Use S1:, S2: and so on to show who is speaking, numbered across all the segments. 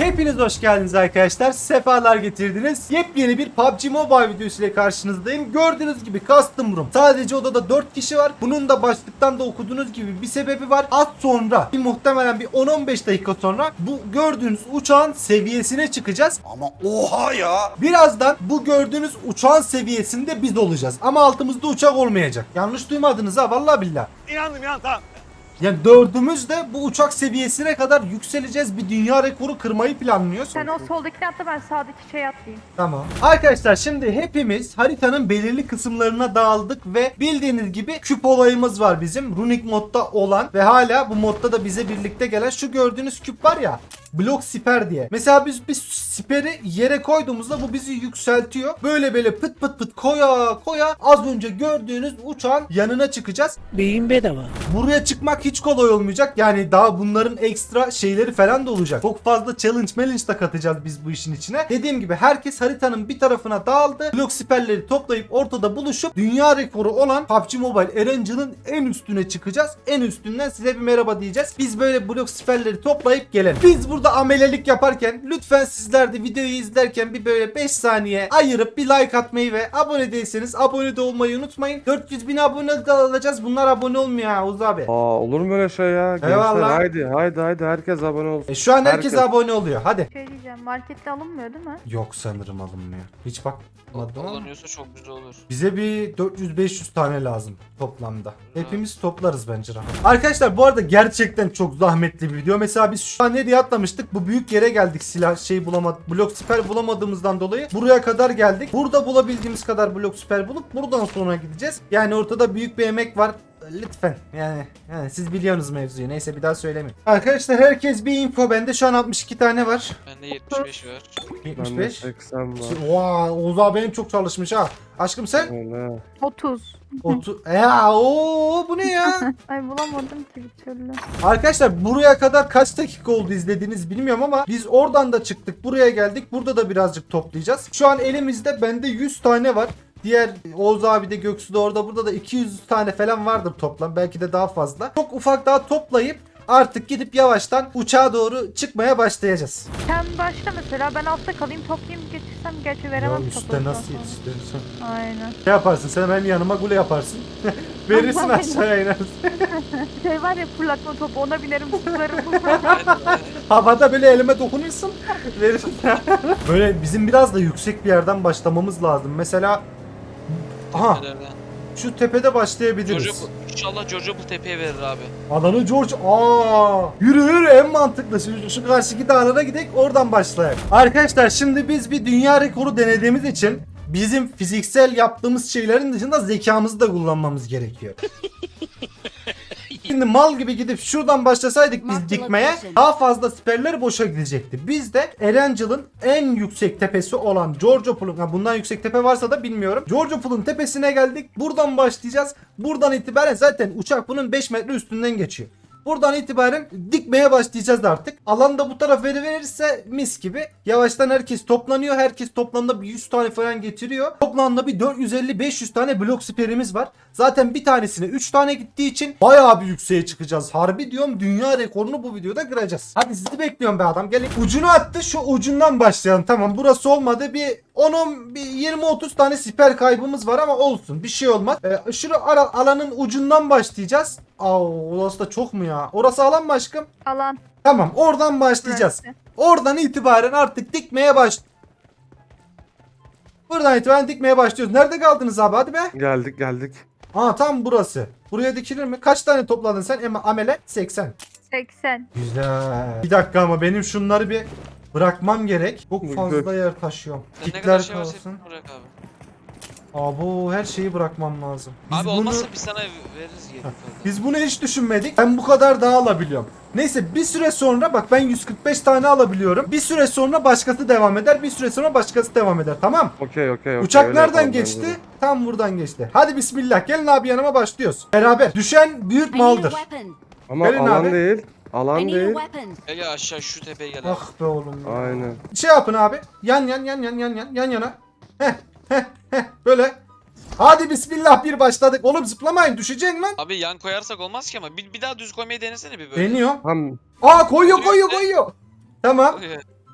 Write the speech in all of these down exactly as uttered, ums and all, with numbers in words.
S1: Hepiniz hoş geldiniz arkadaşlar. Sefalar getirdiniz. Yepyeni bir P U B G Mobile videosu ile karşınızdayım. Gördüğünüz gibi custom room. Sadece odada dört kişi var. Bunun da başlıktan da okuduğunuz gibi bir sebebi var. Az sonra bir muhtemelen bir on on beş dakika sonra bu gördüğünüz uçağın seviyesine çıkacağız.
S2: Ama oha ya.
S1: Birazdan bu gördüğünüz uçağın seviyesinde biz olacağız. Ama altımızda uçak olmayacak. Yanlış duymadınız ha, vallahi billah.
S2: İnandım ya, tamam.
S1: Yani dördümüz de bu uçak seviyesine kadar yükseleceğiz. Bir dünya rekoru kırmayı planlıyoruz.
S3: Sen o soldakini atla, ben sağdaki şey atlayayım.
S1: Tamam. Arkadaşlar şimdi hepimiz haritanın belirli kısımlarına dağıldık ve bildiğiniz gibi küp olayımız var bizim. Runic modda olan ve hala bu modda da bize birlikte gelen şu gördüğünüz küp var ya. Blok siper diye. Mesela biz bir siperi yere koyduğumuzda bu bizi yükseltiyor. Böyle böyle pıt pıt pıt koya koya az önce gördüğünüz uçağın yanına çıkacağız.
S4: Beyin bedava.
S1: Buraya çıkmak hiç kolay olmayacak. Yani daha bunların ekstra şeyleri falan da olacak. Çok fazla challenge challenge da katacağız biz bu işin içine. Dediğim gibi herkes haritanın bir tarafına dağıldı. Blok siperleri toplayıp ortada buluşup dünya rekoru olan P U B G Mobile Erangel'ın en üstüne çıkacağız. En üstünden size bir merhaba diyeceğiz. Biz böyle blok siperleri toplayıp gelelim. Biz burada amelelik yaparken lütfen sizler de videoyu izlerken bir böyle beş saniye ayırıp bir like atmayı ve abone değilseniz abone de olmayı unutmayın. dört yüz bin abone de alacağız. Bunlar abone olmuyor ha Oğuz abi.
S5: Aa, olur mu öyle şey ya? Gençler
S1: Eyvallah.
S5: haydi haydi haydi herkes abone olsun.
S1: E şu an herkes,
S5: Herkes.
S1: abone oluyor. Hadi.
S3: Şey diyeceğim, markette alınmıyor değil mi?
S1: Yok sanırım alınmıyor. Hiç bakmadım ama.
S6: Kullanıyorsa çok güzel olur.
S1: Bize bir dört yüz beş yüz tane lazım toplamda. Hepimiz toplarız bence rahat. Arkadaşlar bu arada gerçekten çok zahmetli bir video. Mesela biz şu an nereye atlamıştık? Bu büyük yere geldik, silah şey bulamadık. Blok siper bulamadığımızdan dolayı buraya kadar geldik. Burada bulabildiğimiz kadar blok siper bulup buradan sonra gideceğiz. Yani ortada büyük bir emek var. Lütfen yani, yani siz biliyorsunuz mevzuyu. Neyse bir daha söylemeyeyim. Arkadaşlar herkes bir info. Bende şu an altmış iki tane var.
S6: Bende yetmiş beş var.
S1: yetmiş
S5: Bende
S1: beş.
S5: seksen var.
S1: Vay, Oğuz abi benim çok çalışmış ha. Aşkım sen?
S5: Öyle.
S3: otuz.
S1: Otu ya o bu ne ya?
S3: Ay bulamadım ki bir türlü.
S1: Arkadaşlar buraya kadar kaç dakika oldu izlediğiniz bilmiyorum ama biz oradan da çıktık, buraya geldik. Burada da birazcık toplayacağız. Şu an elimizde bende yüz tane var. Diğer Oğuz abi de Göksu da orada, burada da iki yüz tane falan vardır toplam. Belki de daha fazla. Çok ufak daha toplayıp artık gidip yavaştan uçağa doğru çıkmaya başlayacağız.
S3: Sen başla mesela, ben altta kalayım, toplayayım getirsem, gerçi veremem.
S1: Ya üstte
S3: topladıktan
S1: nasıl
S3: sonra.
S1: yetiştirirsin?
S3: Aynen.
S1: Ne yaparsın? Sen benim yanıma gule yaparsın. Verirsin
S3: Allah'ım.
S1: aşağıya inersin.
S3: Şey var ya, fırlatma topu, ona binerim zıplarım.
S1: Havada böyle elime dokunursun. Verirsin. Böyle bizim biraz da yüksek bir yerden başlamamız lazım. Mesela aha
S6: Tepelerden.
S1: şu tepede başlayabiliriz.
S6: George, inşallah George bu tepeye verir abi.
S1: Alanı George. Aa, yürü yürü, en mantıklı. Şu, şu karşıki dağlara gidelim, oradan başlayalım. Arkadaşlar şimdi biz bir dünya rekoru denediğimiz için bizim fiziksel yaptığımız şeylerin dışında zekamızı da kullanmamız gerekiyor. Şimdi mal gibi gidip şuradan başlasaydık biz dikmeye, daha fazla siperler boşa gidecekti. Biz de Erangel'ın en yüksek tepesi olan Georgiopol'un, ha bundan yüksek tepe varsa da bilmiyorum. Georgiopol'un tepesine geldik. Buradan başlayacağız. Buradan itibaren zaten uçak bunun beş metre üstünden geçiyor. Buradan itibaren dikmeye başlayacağız artık. Alan da bu tarafa verirse mis gibi. Yavaştan herkes toplanıyor. Herkes toplamda bir yüz tane falan getiriyor. Toplamda bir dört yüz elli beş yüz tane blok siperimiz var. Zaten bir tanesine üç tane gittiği için bayağı bir yükseğe çıkacağız. Harbi diyorum, dünya rekorunu bu videoda kıracağız. Hadi sizi bekliyorum be adam. Gelin. Ucunu attı, şu ucundan başlayalım. Tamam, burası olmadı. Bir on on yirmi otuz tane siper kaybımız var ama olsun. Bir şey olmaz. Ee, şunu ara, alanın ucundan başlayacağız. Aa, orası da çok mu ya? Orası alan mı aşkım?
S3: Alan.
S1: Tamam, oradan başlayacağız.
S3: Burası.
S1: Oradan itibaren artık dikmeye baş... Buradan itibaren dikmeye başlıyoruz. Nerede kaldınız abi? Hadi be.
S5: Geldik geldik.
S1: Aa, tam burası. Buraya dikilir mi? Kaç tane topladın sen? Ama amele seksen.
S3: seksen.
S1: Güzel. Bir dakika ama benim şunları bir bırakmam gerek. Çok fazla yer taşıyorum.
S6: Sen ne kadar
S1: Kitler
S6: şey varsa
S1: kalsın.
S6: hepsini bırak abi.
S1: Abo, her şeyi bırakmam lazım. Biz
S6: Abi
S1: bunu...
S6: olmazsa biz sana veririz geri.
S1: Biz bunu hiç düşünmedik. Ben bu kadar daha alabiliyorum. Neyse, bir süre sonra bak, ben yüz kırk beş tane alabiliyorum. Bir süre sonra başkası devam eder. Bir süre sonra başkası devam eder. Tamam.
S5: Okey okey okey.
S1: Uçak
S5: öyle
S1: nereden
S5: yapalım
S1: geçti?
S5: bence de.
S1: Tam buradan geçti. Hadi bismillah. Gelin abi, yanıma başlıyoruz. Beraber. Düşen büyük maldır.
S5: Ama
S1: Gelin
S5: alan
S1: abi.
S5: değil. Alan değil.
S6: Gel gel aşağı şu tepeye gel abi.
S1: Ah be oğlum ya.
S5: Aynen.
S1: Şey yapın abi. Yan yan yan yan yan yan yan yana. Heh heh heh. Böyle. Hadi bismillah, bir başladık. Oğlum zıplamayın, düşeceksin lan.
S6: Abi yan koyarsak olmaz ki ama bir, bir daha düz koymayı denesene bir böyle.
S1: Deniyor.
S5: Tam
S1: Aa, koyuyor koyuyor koyuyor. Tamam.
S6: Koy.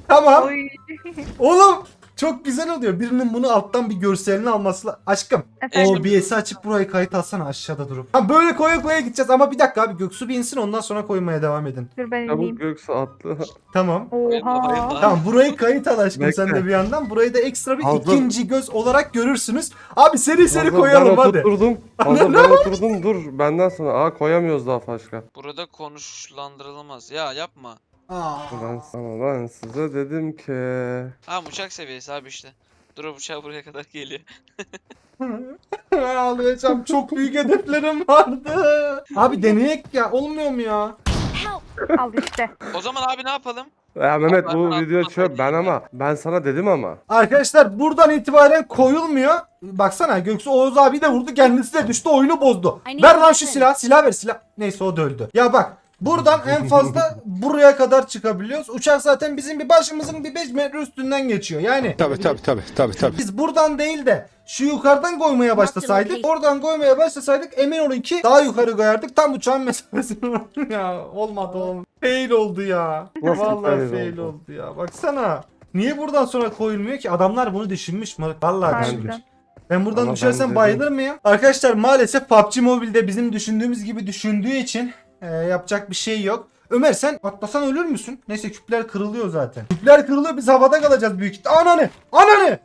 S1: Tamam.
S3: Oy.
S1: Oğlum çok güzel oluyor. Birinin bunu alttan bir görselini alması la- Aşkım.
S3: Efendim.
S1: O B S'i açıp burayı kayıt alsana aşağıda durup. Ha böyle koya koya gideceğiz ama bir dakika abi Göksu bir insin ondan sonra koymaya devam edin.
S3: Dur ben
S5: Çabuk
S3: ineyim.
S5: Göksu atlı.
S1: Tamam.
S6: Bayılma,
S3: Oha.
S6: bayılma.
S1: Tamam burayı kayıt al aşkım
S5: Bekle.
S1: sen de bir yandan. Burayı da ekstra bir
S5: Hazır.
S1: ikinci göz olarak görürsünüz. Abi seri seri
S5: Hazır,
S1: koyalım
S5: ben
S1: hadi.
S5: Oturdum. Hazır ben oturdum dur. Benden sonra. Aa koyamıyoruz daha başka.
S6: Burada konuşlandırılmaz. Ya yapma.
S1: Aa.
S5: Ben sana ben size dedim ki.
S6: Ha uçak seviyesi abi işte. Dur uçağı buraya kadar geliyor.
S1: Ağlayacağım çok büyük hedeflerim vardı. Abi deneyek ya olmuyor mu ya?
S3: Al işte.
S6: O zaman abi ne yapalım?
S5: Ya Mehmet bu
S6: Ben-
S5: video
S6: ben-
S5: çöp ben ama ben sana dedim ama.
S1: Arkadaşlar buradan itibaren koyulmuyor. Baksana Göksu Oğuz abi de vurdu kendisi de düştü oyunu bozdu.
S4: I need
S1: Ver lan şu
S4: weapon.
S1: silah silah ver silah. Neyse o da öldü. Ya bak buradan en fazla buraya kadar çıkabiliyoruz. Uçak zaten bizim bir başımızın bir beş metre üstünden geçiyor. Yani
S2: Tabii tabii tabii tabii tabii.
S1: biz buradan değil de şu yukarıdan koymaya başlasaydık, oradan koymaya başlasaydık emin olun ki daha yukarı koyardık. Tam uçağın mesafesini ya olmadı oğlum. Fail oldu ya.
S5: Nasıl
S1: Vallahi
S5: fail
S1: fail
S5: oldu?
S1: oldu ya. Baksana. Niye buradan sonra koyulmuyor ki? Adamlar bunu düşünmüş mü? Vallahi
S3: Harbiden.
S1: düşünmüş. Ben buradan
S5: Ama
S1: düşersem
S5: ben dedim.
S1: bayılır mıyım? Arkadaşlar maalesef P U B G Mobile'de bizim düşündüğümüz gibi düşündüğü için e, yapacak bir şey yok. Ömer sen atlasan ölür müsün? Neyse küpler kırılıyor zaten. Küpler kırılıyor biz havada kalacağız büyük ihtimalle. Ananı! Ananı!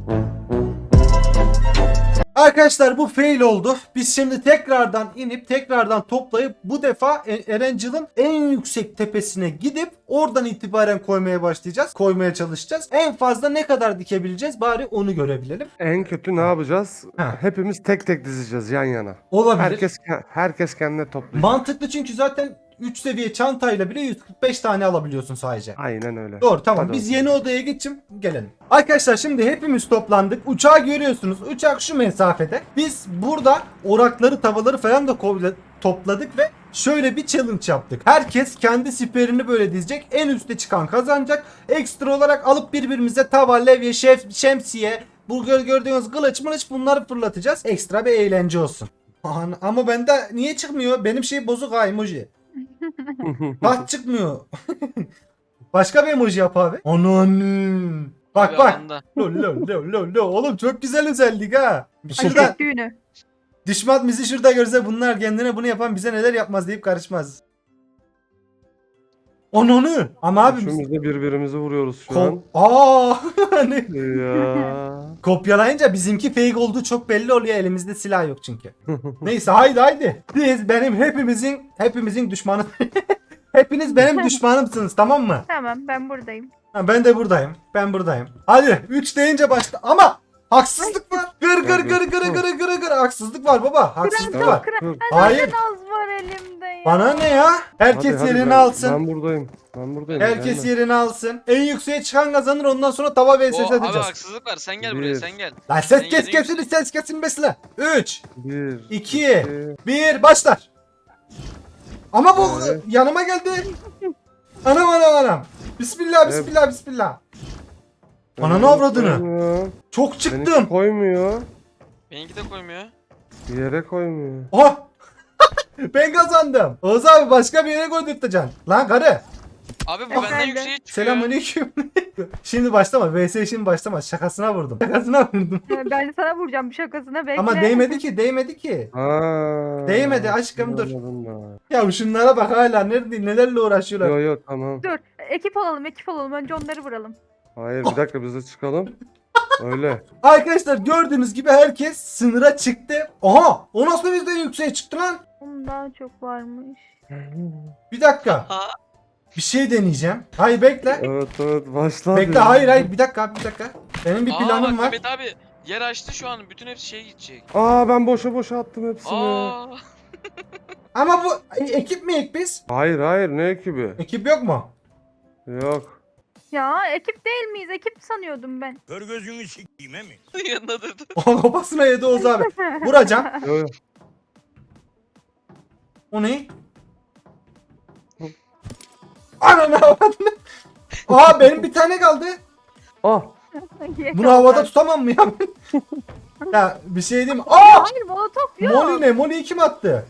S1: Arkadaşlar bu fail oldu. Biz şimdi tekrardan inip tekrardan toplayıp bu defa E- Erencil'in en yüksek tepesine gidip oradan itibaren koymaya başlayacağız. Koymaya çalışacağız. En fazla ne kadar dikebileceğiz bari onu görebilelim.
S5: En kötü ne yapacağız?
S1: Ha.
S5: Hepimiz tek tek dizeceğiz yan yana.
S1: Olabilir.
S5: Herkes herkes kendine toplayacak.
S1: Mantıklı çünkü zaten üç seviye çantayla bile yüz kırk beş tane alabiliyorsun sadece.
S5: Aynen öyle.
S1: Doğru tamam
S5: Hadi
S1: biz
S5: bakalım.
S1: yeni odaya geçim gelelim. Arkadaşlar şimdi hepimiz toplandık. Uçağı görüyorsunuz. Uçak şu mesafede. Biz burada orakları tavaları falan da kovla- topladık ve şöyle bir challenge yaptık. Herkes kendi siperini böyle dizecek. En üste çıkan kazanacak. Ekstra olarak alıp birbirimize tava, levye, şef, şemsiye, bu gör- gördüğünüz kılıç mılıç bunları fırlatacağız. Ekstra bir eğlence olsun. Aman, ama bende niye çıkmıyor? Benim şey bozuk ha emoji. Bak çıkmıyor. Başka bir emoji yap abi. Ananı. Bak
S6: Abi
S1: bak.
S6: alanda.
S1: Lo lo lo lo lo. Oğlum çok güzel özellik ha. Şurada
S3: Aşk düğünü.
S1: düşman bizi şurada görse bunlar kendine bunu yapan bize neler yapmaz deyip karışmaz. Ananı. Ama abi biz
S5: Üçümüz de birbirimizi vuruyoruz şu
S1: Ko-
S5: an.
S1: Aa hani
S5: Ya.
S1: kopyalayınca bizimki fake olduğu çok belli oluyor. Elimizde silah yok çünkü. Neyse haydi haydi. Siz benim hepimizin hepimizin düşmanı. Hepiniz benim düşmanımsınız tamam mı?
S3: Tamam ben buradayım.
S1: Ha, ben de buradayım. Ben buradayım. Hadi üç deyince başla. Ama haksızlık var. Gır gır gır gır gır gır gır. Haksızlık var baba. Haksızlık
S5: Evet,
S1: var.
S5: dur.
S1: Hayır.
S3: Az var elimde ya.
S1: Bana ne ya? Herkes
S5: Hadi, hadi,
S1: yerini
S5: ben-
S1: alsın.
S5: Ben buradayım. Ben buradayım.
S1: Herkes
S5: gelme.
S1: yerini alsın. En yükseğe çıkan kazanır. Ondan sonra tava vs
S6: O, abi
S1: atacağız.
S6: haksızlık var. Sen gel
S5: Bir.
S6: buraya sen gel.
S1: Lan ses
S6: Sen
S1: kes
S6: yeni
S1: kesin ses kesin besle. üç,
S5: Bir,
S1: iki, bir başlar. Ama bu
S5: Evet.
S1: yanıma geldi. Anam anam anam. Bismillah bismillah bismillah. Ananı avradını.
S5: Koymuyor.
S1: Çok
S5: Benimki
S1: çıktım.
S5: koymuyor.
S6: Benimki de koymuyor.
S5: Bir yere koymuyor.
S1: Oha. Ben kazandım. Oğuz abi başka bir yere koydurtacaksın. Lan karı.
S6: Abi bu benden
S3: Efendim?
S6: yükseğe çıkıyor.
S1: Selamünaleyküm. Şimdi başlama. V S şimdi başlama. Şakasına vurdum. Şakasına vurdum.
S3: Ben sana vuracağım bir şakasına bekle.
S1: Ama değmedi ki, değmedi ki.
S5: Ha.
S1: Değmedi aşkım, dur.
S5: Anladım ben.
S1: Ya şunlara bak hala nerede nelerle uğraşıyorlar.
S5: Yo yo tamam.
S3: Dur ekip olalım ekip olalım önce onları vuralım.
S5: Hayır bir dakika biz de çıkalım. Öyle.
S1: Arkadaşlar gördüğünüz gibi herkes sınıra çıktı. Aha! O nasıl bizden yükseğe çıktı lan?
S3: Onun daha çok varmış.
S1: Bir dakika.
S6: Ha.
S1: Bir şey deneyeceğim. Hayır bekle.
S5: Evet evet başla.
S1: Bekle hayır hayır bir dakika abi, bir dakika. Benim bir
S6: Aa,
S1: planım
S6: bak,
S1: var.
S6: Mehmet abi yer açtı şu an. Bütün hepsi şeye gidecek.
S5: Aa ben boşa boşa attım hepsini.
S6: Aa.
S1: Ama bu e, ekip mi ek biz?
S5: Hayır hayır ne ekibi?
S1: Ekip yok mu?
S5: Yok.
S3: Ya ekip değil miyiz? Ekip sanıyordum ben.
S2: Kör gözünü sikeyim he mi?
S6: Yanına durdu.
S1: O kafasına yedi Oğuz abi. Vuracağım.
S5: Yo, yo.
S1: O ne? Ananı avradını. Aa benim bir tane kaldı.
S5: Ah.
S1: Bunu havada tutamam mı ya? Ya bir şey diyeyim mi? Aa!
S3: Hayır molotof yok.
S1: Molly ne? Molly'yi kim attı?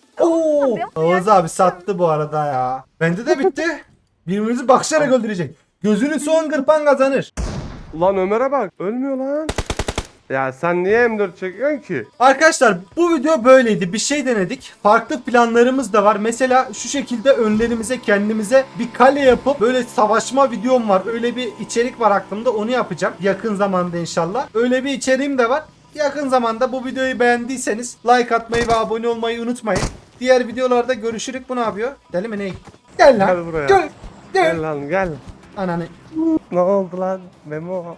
S1: Oo! Oğuz abi sattı bu arada ya. Bende de bitti. Birbirimizi bakışarak öldürecek. Gözünü son kırpan kazanır.
S5: Ulan Ömer'e bak. Ölmüyor lan. Ya sen niye M dört çekiyorsun ki?
S1: Arkadaşlar bu video böyleydi. Bir şey denedik. Farklı planlarımız da var. Mesela şu şekilde önlerimize kendimize bir kale yapıp böyle savaşma videom var. Öyle bir içerik var aklımda. Onu yapacağım. Yakın zamanda inşallah. Öyle bir içeriğim de var. Yakın zamanda bu videoyu beğendiyseniz like atmayı ve abone olmayı unutmayın. Diğer videolarda görüşürük. Bu ne yapıyor? Deli mi ne? Gel lan.
S5: Gel buraya.
S1: Gel. Gel.
S5: Gel lan gel.
S1: Ananı.
S5: Ne oldu lan Memo?